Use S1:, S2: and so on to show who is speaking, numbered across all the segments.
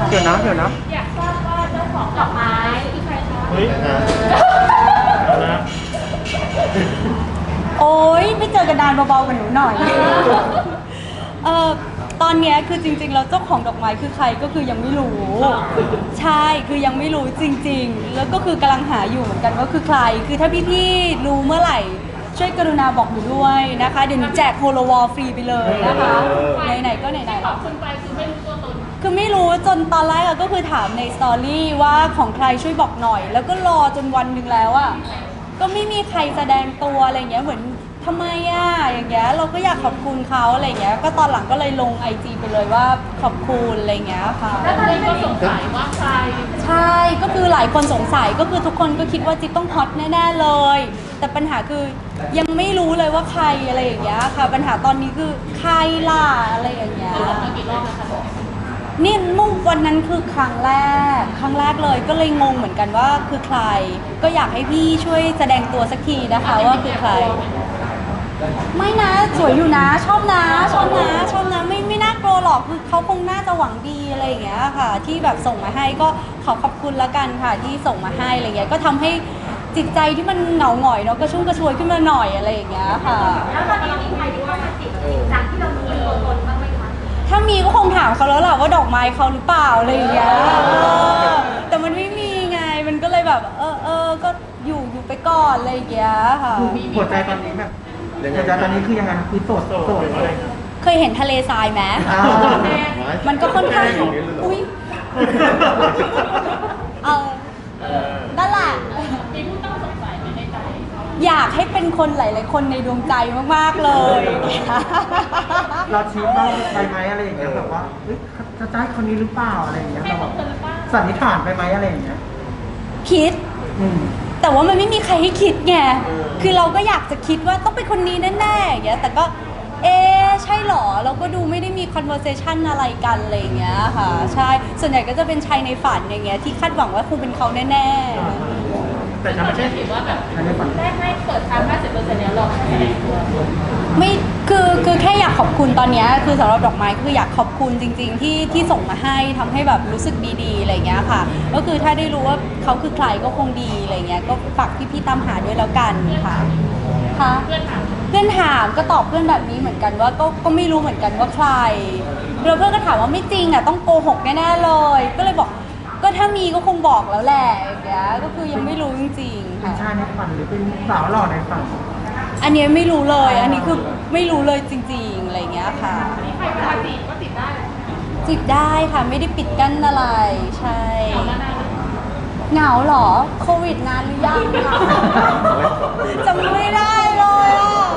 S1: เดี๋ยวนะ
S2: อยากทราบว่าเจ้าของดอกไม้คือใครคะ
S3: เฮ้ยนะ
S4: โอ๊ยไม่เจอกันนานเบาๆกับหนูหน่อยตอนเนี้ยคือจริงๆแล้วเจ้าของดอกไม้คือใครก็คือยังไม่รู้ใช่คือยังไม่รู้จริงๆแล้วก็คือกำลังหาอยู่เหมือนกันว่าคือใครคือถ้าพี่ๆรู้เมื่อไหร่ช่วยกรุณาบอกหนูด้วยนะคะเดี๋ยวหนูแจกโฮโลวอลฟรีไปเลยนะคะไหนๆก็ไหนๆ
S2: ขอบคุณไปคือไม่รู้ตัวตน
S4: คือไม่รู้จนตอนแรกก็คือถามในสตอรี่ว่าของใครช่วยบอกหน่อยแล้วก็รอจนวันหนึ่งแล้วอ่ะก็ไม่มีใครแสดงตัวอะไรเงี้ยเหมือนทำไมอ่ะอย่างเงี้ยเราก็อยากขอบคุณเขาอะไรเงี้ยก็ตอนหลังก็เลยลง IG ไปเลยว่าขอบคุณอะไรเงี้ยค่ะ
S2: แล้วตอนนี้ก็สงสัยว่าใคร
S4: ใช่ก็คือหลายคนสงสัยก็คือทุกคนก็คิดว่าจิ๊บต้องฮอตแน่ๆเลยแต่ปัญหาคือยังไม่รู้เลยว่าใครอะไรอย่างเงี้ยค่ะปัญหาตอนนี้คือใครล่ะอะไรอย่างเงี้ย
S2: บอกมากี่รอบแล้วคะ
S4: นี่มุ่งวันนั้นคือครั้งแรกเลยก็เลยงงเหมือนกันว่าคือใครก็อยากให้พี่ช่วยแสดงตัวสักทีนะคะว่าคือใครไม่นะสวยอยู่นะชอบนะไม่น่ากลัวหรอกคือเขาคงน่าจะหวังดีอะไรอย่างเงี้ยค่ะที่แบบส่งมาให้ก็ขอบคุณละกันค่ะที่ส่งมาให้อะไรเงี้ยก็ทำให้จิตใจที่มันเหงาหงอยเนาะก็ชุ่มกระชวยขึ้นมาหน่อยอะไรอย่างเงี้ยค่ะ
S2: แล้วตอนนี้มีใครที่เข้ามาจีบจริงจังที่เรารู้ตัวตนบ้างไหมคะ
S4: ถ้ามีก็คงถามเขาแล้วแหละว่าดอกไม้เขาหรือเปล่าอะไรอย่างเงี้ยแต่มันไม่มีไงมันก็เลยแบบก็อยู่ไปก่อนอะไรอย่างเงี้ยค่ะ
S1: หัวใจตอนนี้แบบหัวใจตอนนี้คือยังไงคือโสดอะไร
S4: เคยเห็นทะเลทรายไหมมันก็ค่อนข้างอุ้ยนั่นแหละ
S2: มีผู้ต้องสงสัยในใจ
S4: อยากให้เป็นคนหลายๆคนในดวงใจมากๆเลย
S1: เราชี้เป้าไปไหมอะไรอย่างเงี้ยแบบว่าจะได้คนนี้หรือเปล่าอะไรอย่างเงี้ยเราสันนิษฐานไปไหมอะไรอย่างเงี้ย
S4: คิดแต่ว่ามันไม่มีใครให้คิดไงคือเราก็อยากจะคิดว่าต้องเป็นคนนี้แน่ๆอย่างเงี้ยแต่ก็ใช่หรอเราก็ดูไม่ได้มี conversation อะไรกันอะไรอย่างเงี้ยค่ะใช่ส่วนใหญ่ก็จะเป็นชายในฝันอย่างเงี้ยที่คาดหวังว่าคงเป็นเขาแน่
S2: ๆแต่ไม่ใช่ถือว่าแบบได้ให้เปิดทาง 50% แล้วหรอก
S4: ไม่คือแค่อยากขอบคุณตอนนี้คือสำหรับดอกไม้คืออยากขอบคุณจริงๆที่ส่งมาให้ทำให้แบบรู้สึกดีๆอะไรเงี้ยค่ะก็คือถ้าได้รู้ว่าเขาคือใครก็คงดีอะไรเงี้ยก็ฝากพี่ๆตามหาด้วยแล้วกันค่ะเพื่อนถามก็ตอบเพื่อนแบบนี้เหมือนกันว่าก็ไม่รู้เหมือนกันว่าใครแล้วเพื่อนก็ถามว่าไม่จริงอ่ะต้องโกหกแน่ๆเลยก็เลยบอกก็ถ้ามีก็คงบอกแล้วแหละอย่างเงี้ยก็คือยังไม่รู้จริงๆ
S1: ค่ะ
S4: เป็น
S1: ชายในฝันหรือเป็นสาวหล่อในฝัน
S4: อันนี้ไม่รู้เลยอันนี้คือไม่รู้เลยจริงๆอะไรเงี้ยค่ะ
S2: ใครเวลาจีบก็จีบได้
S4: จีบได้ค่ะไม่ได้ปิดกั้นอะไรใช่เหงาเหรอโควิดนานหรือยังจำไม่ได้เลยอ่ะ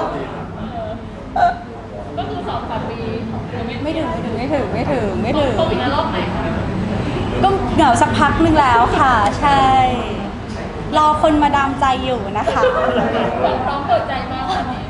S2: ก็คือ2-3 ปี
S4: ไม่ถึง
S2: โควิดในรอบไหน
S4: ก็เหงาสักพักนึงแล้วค่ะใช่รอคนมาดามใจอยู่นะคะ
S2: พร้อมเปิดใจมากวันนี้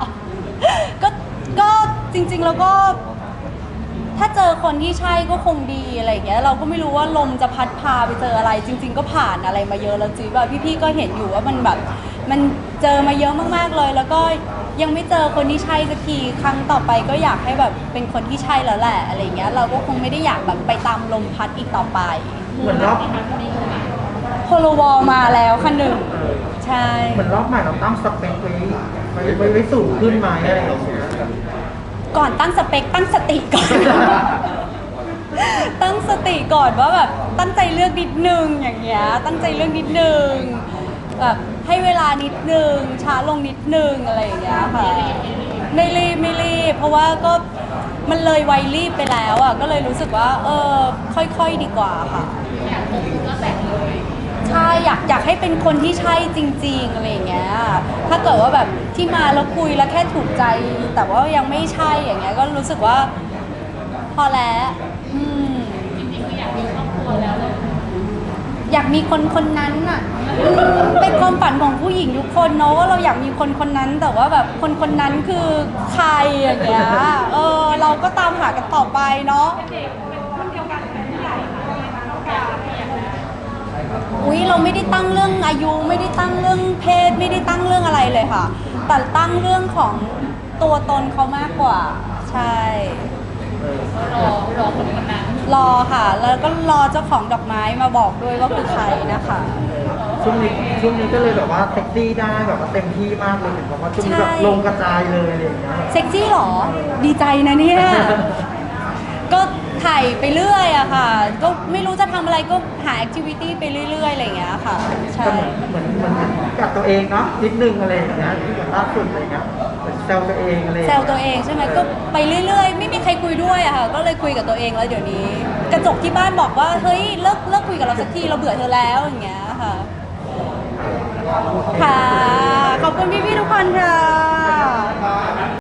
S4: ก็จริงๆแล้วก็ถ้าเจอคนที่ใช่ก็คงดีอะไรอย่างเงี้ยเราก็ไม่รู้ว่าลมจะพัดพาไปเจออะไรจริงๆก็ผ่านอะไรมาเยอะแล้วจีว่าพี่ๆก็เห็นอยู่ว่ามันแบบมันเจอมาเยอะมากๆเลยแล้วก็ยังไม่เจอคนที่ใช่สักทีครั้งต่อไปก็อยากให้แบบเป็นคนที่ใช่แล้วแหละอะไรเงี้ยเราก็คงไม่ได้อยากแบบไปตามลมพัดอีกต่อไป
S1: เหมือนรอบ
S4: โฮโลวอลมาแล้วค่ะหนึ่งใช่
S1: เหมือนรอบใหม่เราตั้งสเปคไว้สูงขึ้นไหมอะไรอย่างเงี้ย
S4: ก่อนตั้งสเปคตั้งสติก่อนตั้งสติก่อนว่าแบบตั้งใจเลือกนิดนึงอย่างเงี้ยตั้งใจเลือกนิดนึงแบบให้เวลานิดนึงช้าลงนิดนึงอะไรอย่างเงี้ยค่ะไม่รีบเพราะว่าก็มันเลยวัยรีบไปแล้วอ่ะก็เลยรู้สึกว่าค่อยๆดีกว่าค่ะ
S2: อยากคบก็แต่งเลย
S4: ใช่อยากให้เป็นคนที่ใช่จริงๆอะไรอย่างเงี้ยถ้าเกิดว่าแบบที่มาแล้วคุยแล้วแค่ถูกใจแต่ว่ายังไม่ใช่อย่างเงี้ยก็รู้สึกว่าพอแล้ว
S2: จริงๆคืออยากมีครอบครัวแล้วเลย
S4: อยากมีคนนั้นน่ะเป็นความฝันของผู้หญิงทุกคนเนาะว่าเราอยากมีคนนั้นแต่ว่าแบบคนนั้นคือใครอย่างเงี้ยเราก็ตามหากันต่อไปเนาะอุ๊ยเราไม่ได้ตั้งเรื่องอายุไม่ได้ตั้งเรื่องเพศไม่ได้ตั้งเรื่องอะไรเลยค่ะแต่ตั้งเรื่องของตัวตนเขามากกว่าใช่
S2: รอคนนั้น
S4: รอค่ะ แล้วก็รอเจ้าของดอกไม้มาบอกด้วยว่าคือใครนะคะ
S1: ช่วงนี้ก็เลยแบบว่าเซ็กซี่ได้แบบว่าเต็มที่มากเลยเห็นบอกว่าช่วงนี้แบบลงกระจายเลยอะไรอย่างเงี้ย
S4: เซ็กซี่เหรอ ดีใจนะเนี่ย ก็ถ่ายไปเรื่อยอะค่ะ ก็ไม่รู้จะทำอะไรก็หาแอคทิวิตี้ไปเรื่อยๆอะไรอย่างเงี้ยค่ะ ใช่
S1: ก็เหมือนกับตัวเองเนาะนิดนึงอะไรอย่างเงี้ยที่แบบล่าสุดอะไรเงี้ยเหมือนแซวตัวเองอะไรอย่าง
S4: แซ
S1: เงี้ยว
S4: ตัวเองใช่ไหมก็ไปเรื่อยๆ ไม่มีใครคุยด้วยอะค่ะ ก็เลยคุยกับตัวเองแล้วเดี๋ยวนี้ กระจกที่บ้านบอกว่าเฮ้ยเลิกคุยกับเราสักทีเราเบื่อเธอแล้วอย่างเงี้ยค่ะ ค่ะ ขอบคุณพี่ๆทุกคนค่ะ